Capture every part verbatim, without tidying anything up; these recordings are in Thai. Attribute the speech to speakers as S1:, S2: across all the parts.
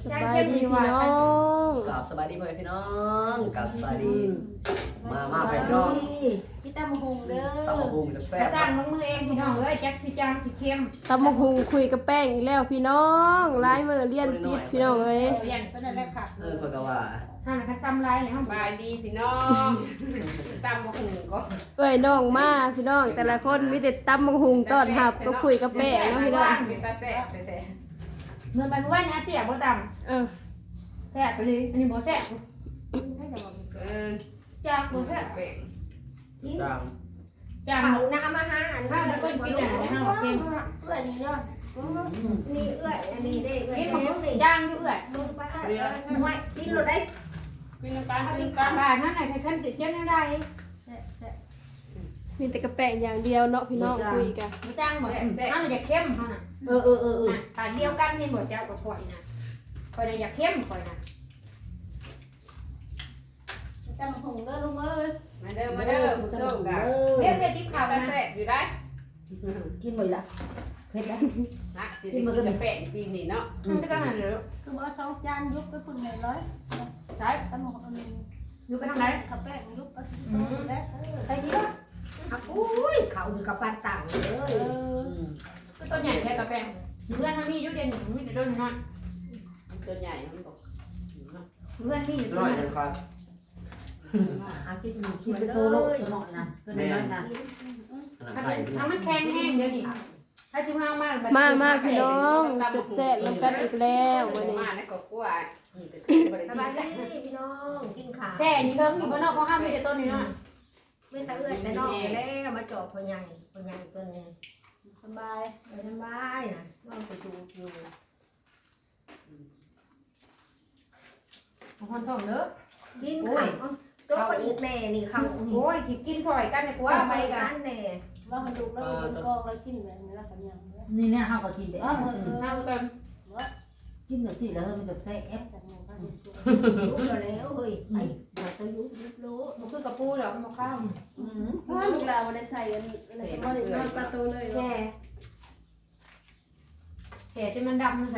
S1: สบายดีพี่น้อง
S2: กราบสบายดีพ่อแม่พี่น้องกราบสบายดีมามาพ่อแม่พี่น้อง
S3: พี่ตำมะฮุงเด้อ
S2: ตำบักหุ่งแซ่บ
S3: สร้างน้องมือเองพี่น้องเอ้ยจักสิจางสิเข้ม
S1: ตำบักหุงคุยกับแป้งอีกแล้วพี่น้องลายมือเลียนติดพี่น้องเอ้ย
S3: เรียนก็นั่นแหละค่ะ
S2: เออเพิ่นก็ว่า
S3: ห่านคันตำลายเนี่ยห้อง
S4: บายดีพี่น้องตามบอกหนึ่งก็
S1: เอ้ยน้องมาพี่น้อง แต่ละคนมีแต่ตำบักหุงต้อนรับก็คุยกับแป้งเนาะพี่น้อง
S4: เป็นตาแซ่บแต่
S3: เงินไปเมื่อวานนี้อาเตี๋ยบ่ต
S1: เออ
S3: ำแซ่บไปเลยอันนี้บ่แซ่บ
S4: เออ
S3: จากบ่แซ่บ
S4: เป็น
S2: จาง
S3: จาง
S5: เขาน้ำมาหาอัน
S3: ถ้าจะเป็นกินอะไรนะห้องเข้ม
S5: เอื้อยนี่เนาะนี่เอื้อยอันนี้ได้เอื้อย
S3: กิน
S5: แล้
S3: มั
S5: วน นี่
S3: จางอยู่เอื้อย
S5: ลงไปไม่กินรถได้
S4: กินน้ำตาลกิน
S3: กา
S4: น้ำ
S3: ร
S4: ตาล
S3: บ้านนั่นน่ะใครคันติดเจ้าแนวใด
S1: มีแต่กระแป้งอย่างเดียวเนาะพี่น้องคุยกัน
S3: บ่จางบ่นั่นน่ะอยากเข้มเฮาน่ะ
S5: เออเออเออเออ
S3: ตาเดียวกันนี่บ่เจ้ากับข่อยน่ะข่อยน่ะอยากเข้มข่อยน่ะ
S5: ตำมะฮุงเด้อลุงเอ้ย
S4: มาเด้อมาเด้อผู้ชมกัน
S3: เรียกเรียกติ๊บ
S4: ข้า
S3: ขาว ว
S4: ตา
S3: นะ
S4: แซ่บอยู่ได้
S5: กินหมดละเผ็ดละ
S4: นักสิกินกาแฟปีนี้เนาะ
S3: มันจะกันเหรอ
S5: คือบ่สองจานยุบไปคนไหนร้อย
S3: ใช่
S5: ตำมะฮุงอันนี้
S3: อยู่ไปทางไหน
S5: ข้าวแป้งยุบไปแล้ว
S3: ใครที่ว่า
S5: อุ้ยเขาอยู่กับปานต่างเลย
S3: ก็ตัวใหญ่แค่กระแปงเพื่อนทางนี้ยุดเด่นมีแต่ต้นน้อย
S4: ตัวใหญ่มันบอก
S3: เพื่อนที่อยู่ต้
S2: น้
S3: น
S2: อย
S3: น้อย
S2: จังครับ
S5: อากิน
S6: กินไปโตโลตัวหน่อยนะตัวน้อยนะ
S2: อันนั้น
S3: ถ้า
S2: ไข่
S3: เป็นถ้ามันแข็งแห้งเดี๋ยวนี้ถ้าจิ้มเอามาก
S1: มามาพี่น้องแซ่บๆแล้วกันอีกแล้ววันนี้
S4: มาในครอบครัวนี่เป็นบริ
S5: ส
S4: ษั
S5: บาย
S4: ท
S5: ดีพี่น้องกินข้าว
S3: แช่นี่เพิ่งอยู่บนนอกเขาห้ามมีแต่ต้นนี่น้อย
S5: ไม่ตะเอื้อยแต่นอกแล้วมาจอบพ่อใหญ่พ่อใหญ่ตัวนึงสบายสบายนะนอนไปดูอยู่
S3: คนท้องเด้อ
S5: กินข้าวตัวคนอีกแน่นี่เขา
S3: โอ้ยกินซอยกันเนี่ยกูว่าไปกัน
S5: แน่
S7: ว่ามันดูแล้วมันกองแล้วกินแบบนี้แล้วกันยัง
S6: นี่เนี่ยเขาก็กินไป
S3: เออเอากัน
S6: กินแบบสิแล้วมันจะแซ่บ
S7: จากนั้นก็
S5: รู้แล้วเฮ้ยไอ้มาตัวยุบยุบรู้
S3: มันคือกระปูเหรอมันข้าว
S7: ว่าลูกเราได้ใส่อันอะไรก็ได้นอนประตูเลย
S3: แช่แช่จนมันดำเลย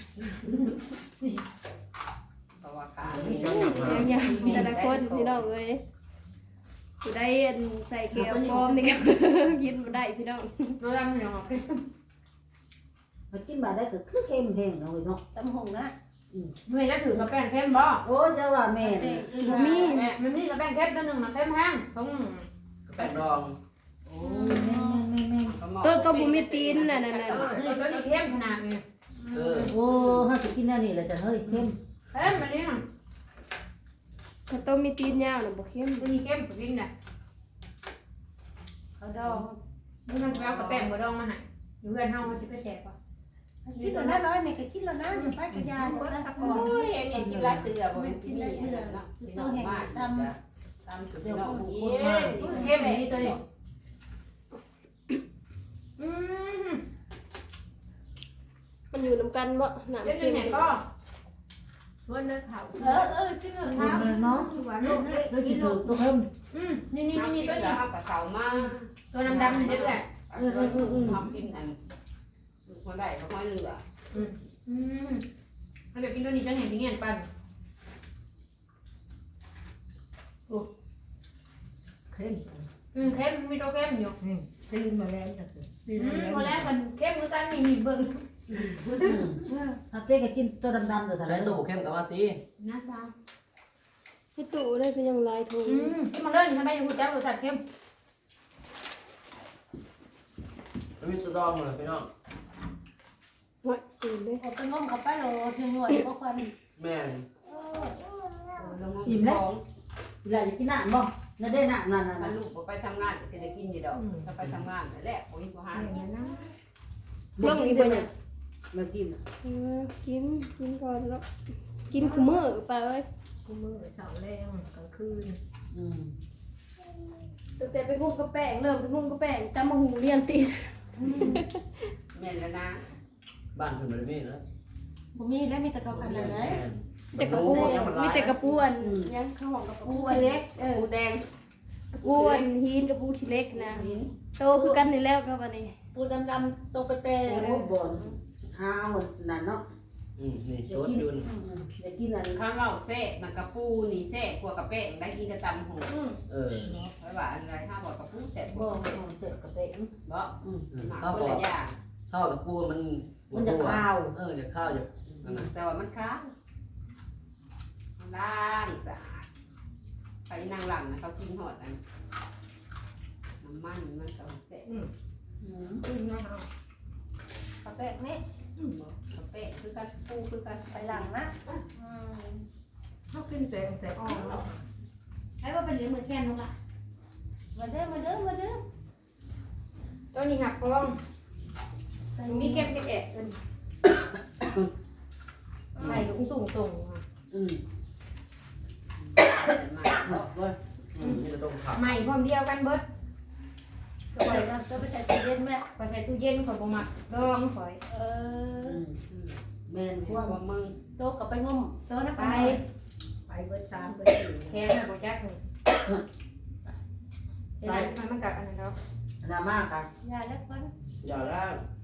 S4: เพราะว่าขา
S1: อย่างอย่างแต่ละคนพี่น้องเอ้ยจะได้ใส่เกลียวพร้อมนี่ก็กินบ่ได้พี่น้อง
S3: nó đâm nhiều ngọt cái
S6: มันกินมาได้ก็คือเค็มแห้งเอาเนาะ
S7: ตำหงนะ
S3: mày đã thử cà phê thêm bò
S6: โอ้เจ้าว่าแม่
S1: บ่มี
S3: mẹ mình đi cà phê thêm cho đừng mà thêm hang không
S2: แป้งดอง
S6: โอ้แม่แม่แม่
S1: ต้นก็บ่มีตีนน่ะนั่นน่ะ
S3: cái này có đi thêm thế nào kìa
S2: เออ
S6: โอ้เฮาสิกินแนวนี้แหละจ้ะเฮ้ยเค็ม
S3: thêm mà đi nào
S1: ก็ต้มมีตีนยาวน่ะบ่เค็ม
S3: cái gì thêm của kinh này
S7: เขาดอง
S3: nhưng mà kéo cà phê của đâu mà hại những người hao chỉ phải xẻ qua
S7: คิดแล้วนะร้อยนี่ก็คิดแล้วนะจะไปกระยา
S5: เบิด
S7: นะ
S5: สัก
S4: โอ้
S5: ก่อน
S4: ยอันนี้กินลาเตือบ่เป็นที่นี่เนาะที่น้องมาตามตามสุดน้องกิน
S3: thêm này đi tôi đi ừm
S1: มันอยู่นํกันบ่น้ำ
S3: cái
S1: เค็ม
S3: này này có
S5: วันนั้นเขา
S7: เออเออชื่อ
S6: เค็
S7: เขา
S6: มเลยเนาะ
S5: ที่ว่าลูก
S6: แล้ว
S5: กิ
S6: สิ
S5: น
S6: ถู
S5: ลู
S6: ก
S5: ก
S6: ตัวเค็ม
S3: ừmนี่นี่
S4: ทำ
S3: นี่
S4: กิน
S3: ตัว
S4: แล้
S3: นี้
S4: วเอากับเขามา
S3: ตัวดำๆนี่ด้วย
S4: เออทำกินอันคนได้ก็ค่อยเหลือ
S3: ừm nó được kinh đôi đi cho này tiếng hènปั่น
S5: เข้ม
S3: ừ thêm mi tô thêm nhiều
S5: ตื่นมาแล้วจ้ะ
S3: ừ có lẽ mình thêm cái tan này nhìn vừng
S6: ถ้าเต้ก็กินตัวดำๆตัว
S2: ใช้
S6: ทะ
S2: ตู้เข้มกับว่าตี
S3: nát sao
S1: ให้ตู้ได้ก็ยังหลายถุง
S3: ừ nhưng mà lên hai bay hụt cháu rồi sạch thêm
S2: แล้วมีตัวดองเลยพี่น้อง
S1: ว่าตื่นเด้
S7: เอาไปงมกับไปโลถึงหน่วยพวกคน
S2: แม่น
S6: อิ่มแล้วเวลาจะกินน้ำบ่นั่นได้น้ำนั่น
S4: มัน
S6: น่ะ
S4: ลูกไปทำงานจะได้กินอยู่ดอกถ้าไปทำงานนั่นแหละโอ้ยบ่หา
S5: อย่างนี้นะ
S1: เรื่องอีกบ่เนี่ย
S6: มากิน
S1: เออกินกินก่อนแล้วกินคุมื้อไปเอ้ย
S5: กูมือเสาแรงกลางคืน
S6: อืม
S1: ตั้งแต่ไปหุ้มกระแป้งเริ่มไปหุ้มกระแป้งตำบักหุงเรียนติด
S4: แม่นแล้วนะ
S2: บ้านเพิ่นบ่ได้มีนะ
S7: ผมมีได้มีแต่เขากันเลย
S2: แม่น
S1: แต่กระปูมีแต่กระปูอันยังข้าวหอมกระปูอันเล็กเออ
S4: ปูแดง
S1: กระปูอันหินกระปูขี้เล็กนะ
S4: หิน
S1: โตคือกันนี่แล้วก็บัดนี้
S7: ปูดำๆตรงไปเปร
S6: โอ้บ่นหาเอานั่นเนาะ
S1: ม
S2: อืมนี่สดอยู่นี่
S6: อยากกินอัน
S4: ข้าวเราแซ่มันกระปูนี่แซ่กลัวกระแป้งได้กินกระตำหู
S2: เออ
S4: ไว้ว่าอะไรห้าบอกกระปูแซ่บ
S6: บ่
S4: บ่
S6: เสร็จกระเต็ม
S4: บ่
S6: อืม
S4: หมักคนละอย่าง
S2: ข้าวกับปูมัน
S6: มันจะข้าว
S2: เออจะข้าวจะนั่นน่ะ
S4: แต่ว่ามันค้างล้างสะอาดไปนั่งหลังนะเขากินหอดอันน้ำมันมันก็แซ่บ
S5: อืมอืมนะเอากระแปะนี่
S4: บ่กระแป้งคือกันปูคือกัน
S5: ไปหลังนะอืมเขากินแต่แต่อ่อนแล้ว
S3: ใช้ว่าเป็นเหลือมือแค่นกล่ะ
S5: มาเด้อมาเด้อมาเด้อ
S3: ตัวนี้หักฟองมีแก้มแกะเอิ้นใส่ตุ้งตุ้งตุ้ง
S6: อืม
S4: มา
S6: บ่บ่
S2: อืมนี่จะต้มผัก
S3: ใหม่พร้อมเดียวกันเบิด
S5: ก็ไปนะก็ไปใส่ตู้เย็นแม่
S3: ก็ใส่ตู้เย็นข่อยบ่มักดองข่อย
S5: เออ
S6: อืมแม่นพวก
S4: ว่ามึง
S5: โต๊ะกับไปงมโต๊ะนะ
S3: ไป
S5: ไปไปเบิดสามเบิดสี่
S3: แค่น่ะบ่จักนี่เดี๋ยวนั้นมันกัดอันนั้นดอก
S6: ดราม่ากัน
S5: ยาแล้วคน
S2: อย่าแล้ว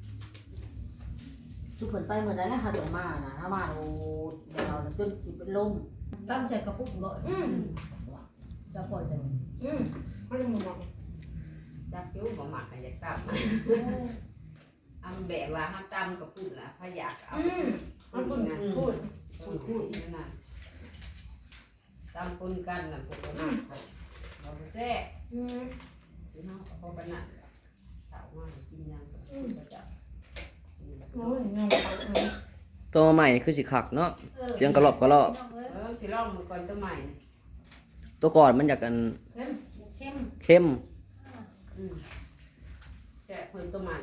S6: ทุกคนไปเมื่อใดแล้วหาจังมานะถ้ามาโอ้เดี๋ยวเราจนสิเป็นลม
S5: ตั้งใจกระปุกบ่
S3: อืม
S5: จะปล่อยจัง
S3: อืมมันจะหมุนออก
S4: จักกิ้วบ่หมักให้อยากตำอำแบบว่าห้ามตำกับปุ่นล่ะพะอยากเอา
S3: อืมมันพูดพูด
S4: พูดพูดนั่นน่ะตำปุ่นกันน่ะพวกเราเราไปแซ่
S3: อืม
S4: พี่น้องก็พอกันน่ะสาวมากินยังก็จะ
S3: โอ้ยยังเอาอืม
S2: ตัวใหม่คือสิคักเนาะเสียงกระรอบกระรอบ
S4: เออสิลองมือก่อนตัวใหม่
S2: ตัวก่อนมันอยากกัน
S5: เข้ม
S2: เข้ม
S4: อืมแกะเพิ่นตัวใหม่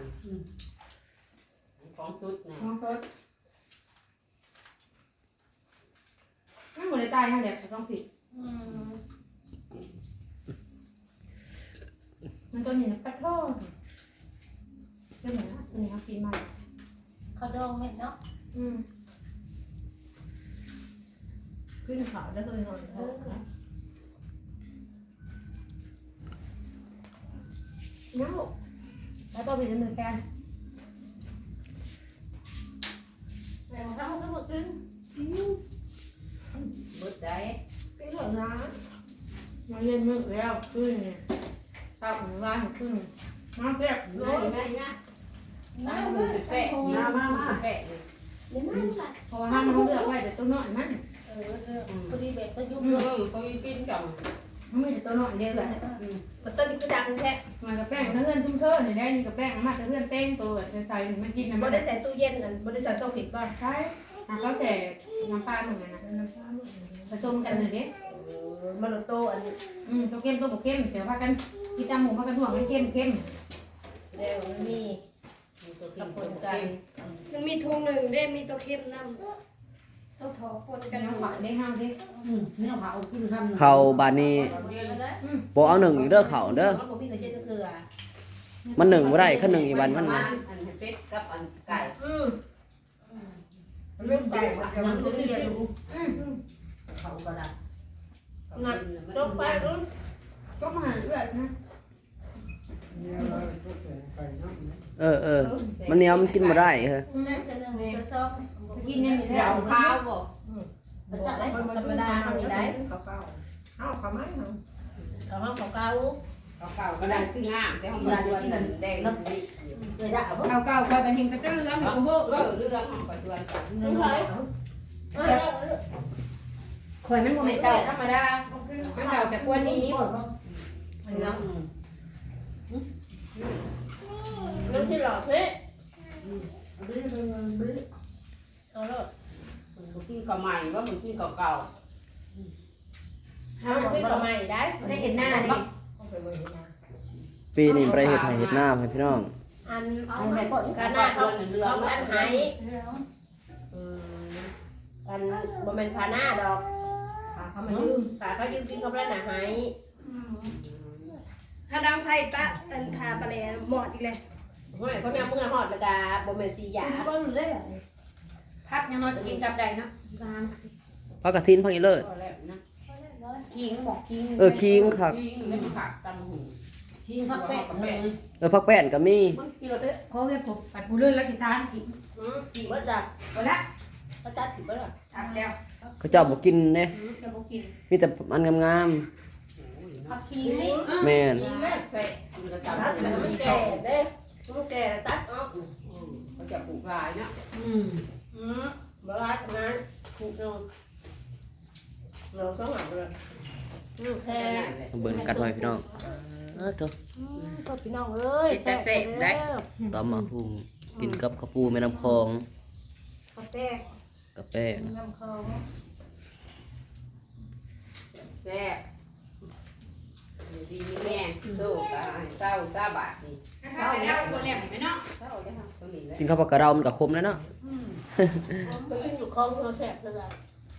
S4: ของชุดนะ
S3: มองสดมันหมดเลยตายเท่าเดียวต้องผิด
S5: อืม
S3: มันตัวนี้ปัดโทษตัวนี้นะตัวนี้เขากินมา
S5: เขาดองเม็ดเนาะ
S3: อืม
S5: ขึ้นเขาแล้วก็ไปนอนเออ
S3: น้าแล้วตัวเป็นเหมือนกัน
S5: แม่เขาก็มากิน
S4: เบิดได้
S5: กินหมดนะ
S3: มาเย็นมึกแล้วขึ้นเนี่ยเช้าของร้านขึ้นมาแซ่บ
S4: ได้ได้นะน้ำมือสิแปะยีน้ำมาแปะเลย
S5: เดี๋ยวนั่นแหละ
S3: เพราะว่าห้ามเขาเลือกไว้แต่ตัวน้อยมัน
S5: เออเออพอดีแบบก็ยุ่ง
S4: อื
S5: เล
S4: อย เขากินจัง
S3: มันมีแต่ตัวน้อยเดียวเลย
S5: มันต้นนี้ก็ดังแท้
S3: มันกับแป้งถ้าเลื่อนชุ่มเทอเนี่ยได้นี่กับแป้งมาจะเลื่อนเต้งตัวแบบใส่ๆมันกินนะ
S5: บ่
S3: มัน
S5: ได้ใส่ตู้เย็นนั่นบ่ได้ใส่ตู้ผิดป่ะ
S3: ใช่เขาใส่น้ำปลาหนึ่งนะผสมกันเลยเด้
S5: เออมันโตอัน
S3: อืมตัวเข้มตัวบ่เข้มเดี๋ยวพากันกินตามหมูพากันห่วงกันเข้มเข้ม
S5: เดี๋ยวมันมี
S4: ตัว
S5: กั
S4: กิ
S5: บ
S4: น
S5: ป
S4: คน
S5: น
S4: กั
S5: กัน น
S1: มันมีทุงหนึ่งได้มีตัวเข้มน้ำตัวถอปน
S3: กั
S1: กัน น
S3: น้ำหวานได้ห้ามดิ
S6: อืมนี่เอาเผากินทำ
S2: เข้าบานนี้
S3: อืม
S2: บ่เอาหนึ่งอีกเด้อเข้าเด้อ
S5: เขาบอกพี่เขาเจ๊จะเกลือ
S2: มันหนึ่งบ่ได้คันหนึ่งอีกวันมัน
S4: อั
S2: นะ
S4: นเป็ดกับอันไก่
S5: อืมมันเริ่มไก่มันจะมันตัวเดียวดู
S3: อืม
S6: เขาก็ได้
S5: งัดลงไปรุ่น
S3: ก็มาหาเอื้อนะ
S2: เออเออมันเหนียวมันกินบ่ได้เฮ้ย
S5: นั่นคือเรื่องกระซอก
S3: กินเนี่ยมี
S4: เดี๋ย
S3: แล้ว ว
S4: ข้าวบ่
S5: มันจะได้ธรรมดาเขามีได้เขาเก่าเอาเขาไหมเขาเขาเขาเก่า
S4: ข้าวเก่าก็ได้คืองามแต่ของมันตัวนั้นแดงนี่
S6: เลยได้เอาบ่
S3: เอาเก่าก็เป็นหิงกระเตื้อเรื่องของพวก
S4: ก็เรื่องของปัจจุบันกัน
S5: ไม่ใช่
S3: ข่อยมันโมเมนต์เก่าธรรมดามันเก่าแต่กว่านี้
S4: เรื่อง
S5: เรื่องที่หลอกเฮ้ย
S6: Ừ,
S5: เอาเลย
S4: มึงกินกับใหม่ว่ามึงกินกับเก่า
S5: เอาพี่ก็ไม่ได้
S3: ได้เห็นหน้าดิ
S2: ปีนี้บ่ได้เฮ็ดให้เฮ็ดหน้าให้พี่น้อง
S5: อัน
S6: เอาแม่ปอด
S5: การหน้าเขาเขาอันหาย
S4: เออ
S5: อันบ่แม่นพาหน้าดอกขาเขามายืมขาเขายืมกินเขาแล้วน่ะหาย
S1: ถ้าดังไพ่ปะตันทาปลาแหลหมอดอีกเลย
S5: ห้อยเขาเนี่ยเมื่อหอดแล้วก็บ่แม่นสียา
S1: ก็รู้ได้เหรอ
S3: พักยังน้อยจะกินกับใดเนาะงาน
S2: พักกระทินพักอีเลิศ
S4: ก็แล้วนะ
S3: คิงบอกคิง
S2: เออคิงคัก
S4: กินแล้วมันขาดตำหู
S6: ทิ้งพักแปะเลย
S2: เออพักแป้นก็มี
S5: มันกินแล้วเด้อ
S3: เขาเรียกผมปัดบุเรื่อยแล้วสิทานอีก
S5: อือกี่ว่าจ้ะ
S3: ก็ละ
S5: เเขาจัดถึงเมื่อไหร่
S4: ทักแล้ว
S2: เขาเจ้าบ่กินเด้
S4: จะบ่กิน
S2: มีแต่อันงาม
S4: ผักชีนี่
S2: ๆแม่น
S4: กินแม่ใส่กินกระ
S5: ตั
S4: จั
S5: ด
S4: บ
S5: แต่
S4: มัน
S5: ไม่
S4: มี
S5: แก่
S4: ต่อ
S5: เด้ไม่แก่ตัดออก
S4: เขาจะปลูกหลายเนาะ
S6: อืม
S5: อืมบ้าทำงานถูกนอนเราต้องหาเลยอืมแค่
S2: เบิ่งกันไว้พี่น้องเออโต
S5: ก็พี่น้องเอ้ยได้
S2: ตำมาหุงกินกับข้าวปูแม่น้ำคลอง
S5: กาแฟ
S2: กับแป้ง
S5: น้ำเขา
S4: แซ่บดีนี่แน่โซ่ตาเศร้าซาบาทนี่เศร้าแล้วคนแหลมไหมเนาะเศร้าเลยค่ะตัวนี้เลย
S2: กินข้าวผักกระเดามันก็คมแล้วเนาะ
S5: ไปกินอยู่คลองเราแสบเท่าไหร่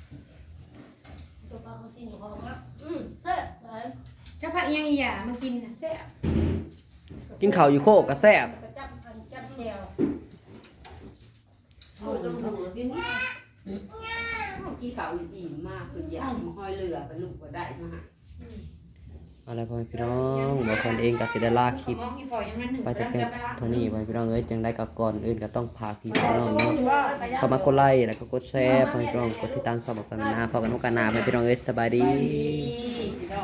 S5: ตัวปลาเขากินอยู่คลองอ่ะอืมแซ่บเลย
S7: เจ้าผักยังอีหย่ามากินน่ะแซ่บ
S2: กินข้าวอยู่โคกก็แซ่บ
S5: กระจับกันจับแนวโอ้ยต้องดูกิน
S4: เมื่อกี้เขาอิ่มมากคืออยากห้อยเรือไปลูกก็ได้มาฮะ
S2: เอาล่ะไรพ่อแม่พี่น้องบ่คนเองก็สิได้ลาคลิป
S7: มองอีฝอยยังนั่นหนึ่ง
S2: ไปแต่เพียงเท่านี้พ่อแม่พี่น้องเอ้ยจังได้ก็ก่อนอื่นก็ต้องพาพี่พี่น้องเนาะ
S5: ว่า
S2: เข้ามากดไลค์แล้วก็กดแชร์พ่อแม่พี่น้องกดติดตามสอบกันนะพอกันโอกาสหน้าพ่อแม่พี่น้องเอ้ยสบายดี
S4: พี่น้อง